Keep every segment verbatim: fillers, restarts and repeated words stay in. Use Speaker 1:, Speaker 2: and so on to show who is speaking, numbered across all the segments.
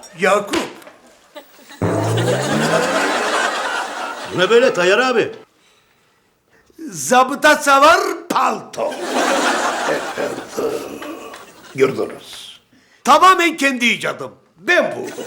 Speaker 1: Yakup.
Speaker 2: Bu ne böyle Tayyar abi?
Speaker 1: Zabıta savar palto. Gördünüz. Tamamen kendi icadım. Ben buldum.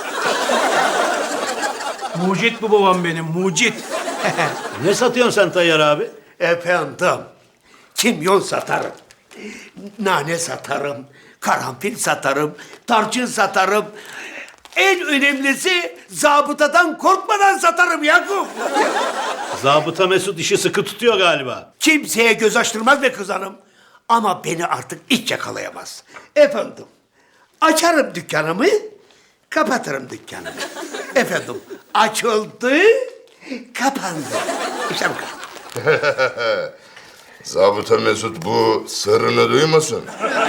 Speaker 3: Mucit bu babam benim, mucit.
Speaker 2: Ne satıyorsun sen Tayyar abi?
Speaker 1: Efendim, kimyon satarım. Nane satarım. Karanfil satarım. Tarçın satarım. En önemlisi zabıtadan korkmadan satarım Yakup.
Speaker 2: Zabıta Mesut işi sıkı tutuyor galiba.
Speaker 1: Kimseye göz açtırmaz be kız hanım. Ama beni artık hiç yakalayamaz. Efendim, açarım dükkanımı, kapatırım dükkanımı. Efendim, açıldı, kapandı. İşte bu kadar.
Speaker 4: Zabıta Mesut bu sırrını duymasın.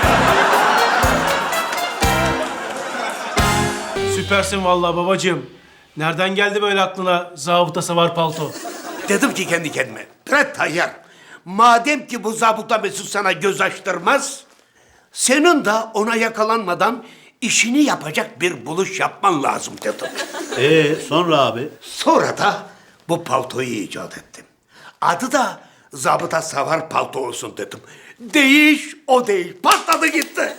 Speaker 3: Süpersin vallahi babacığım. Nereden geldi böyle aklına zabıta savar palto?
Speaker 1: Dedim ki kendi kendime, Bre Tayyar, madem ki bu zabıta Mesut sana göz açtırmaz, senin de ona yakalanmadan işini yapacak bir buluş yapman lazım dedim.
Speaker 2: Ee sonra abi?
Speaker 1: Sonra da bu paltoyu icat ettim. Adı da zabıta savar palto olsun dedim. Değiş o değiş. Patladı gitti.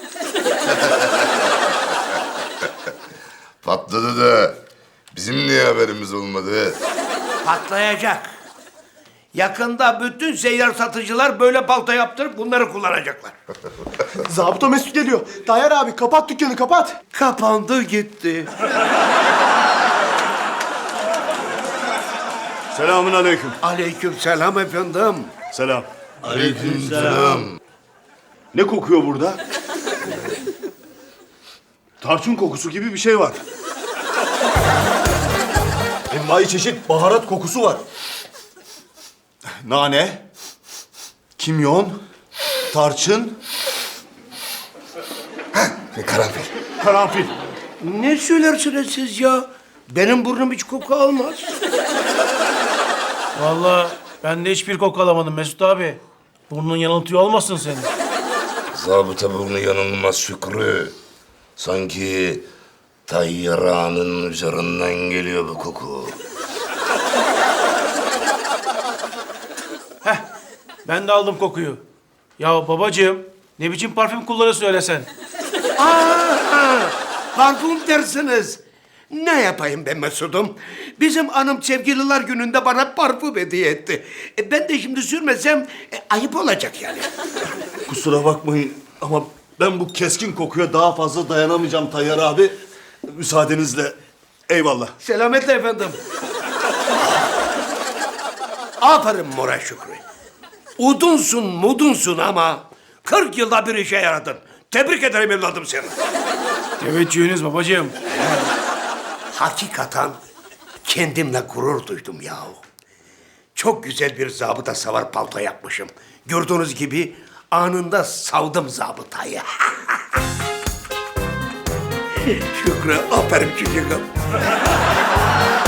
Speaker 4: Patladı da bizim niye haberimiz olmadı?
Speaker 1: Patlayacak. Yakında bütün seyyar satıcılar böyle palto yaptırıp bunları kullanacaklar.
Speaker 5: Zabıta Mesut geliyor. Tayyar abi kapat dükkanı kapat.
Speaker 1: Kapandı gitti.
Speaker 6: Selamun aleyküm.
Speaker 1: Aleyküm selam efendim.
Speaker 6: Selam.
Speaker 4: Aleykümselam.
Speaker 6: Ne kokuyor burada? Tarçın kokusu gibi bir şey var. Envai çeşit baharat kokusu var. Nane, kimyon, tarçın,
Speaker 4: Karanfil.
Speaker 6: karanfil.
Speaker 1: Ne söylersiniz siz ya? Benim burnum hiç koku almaz.
Speaker 3: Vallahi ben de hiçbir koku alamadım Mesut abi. Burnun yanıltıyor olmasın senin.
Speaker 4: Zabıta burnu yanılmaz Şükrü. Sanki Tayyar Ağa'nın üzerinden geliyor bu koku.
Speaker 3: Heh, ben de aldım kokuyu. Ya babacığım, ne biçim parfüm kullanıyorsun öyle sen?
Speaker 1: Aa, parfüm dersiniz. Ne yapayım ben Mesut'um? Bizim hanım sevgililer gününde bana parfüm hediye etti. E, ben de şimdi sürmesem e, ayıp olacak yani.
Speaker 6: Kusura bakmayın ama ben bu keskin kokuya daha fazla dayanamayacağım Tayyar abi. Müsaadenizle. Eyvallah.
Speaker 1: Selametle efendim. Aferin Mora Şükrü. Udunsun mudunsun ama kırk yılda bir işe yaradın. Tebrik ederim evladım seni.
Speaker 3: Teveccühünüz babacığım.
Speaker 1: Hakikaten kendimle gurur duydum yahu. Çok güzel bir zabıta savar palto yapmışım. Gördüğünüz gibi anında savdım zabıtayı. Şükrü, aferin çocuğum.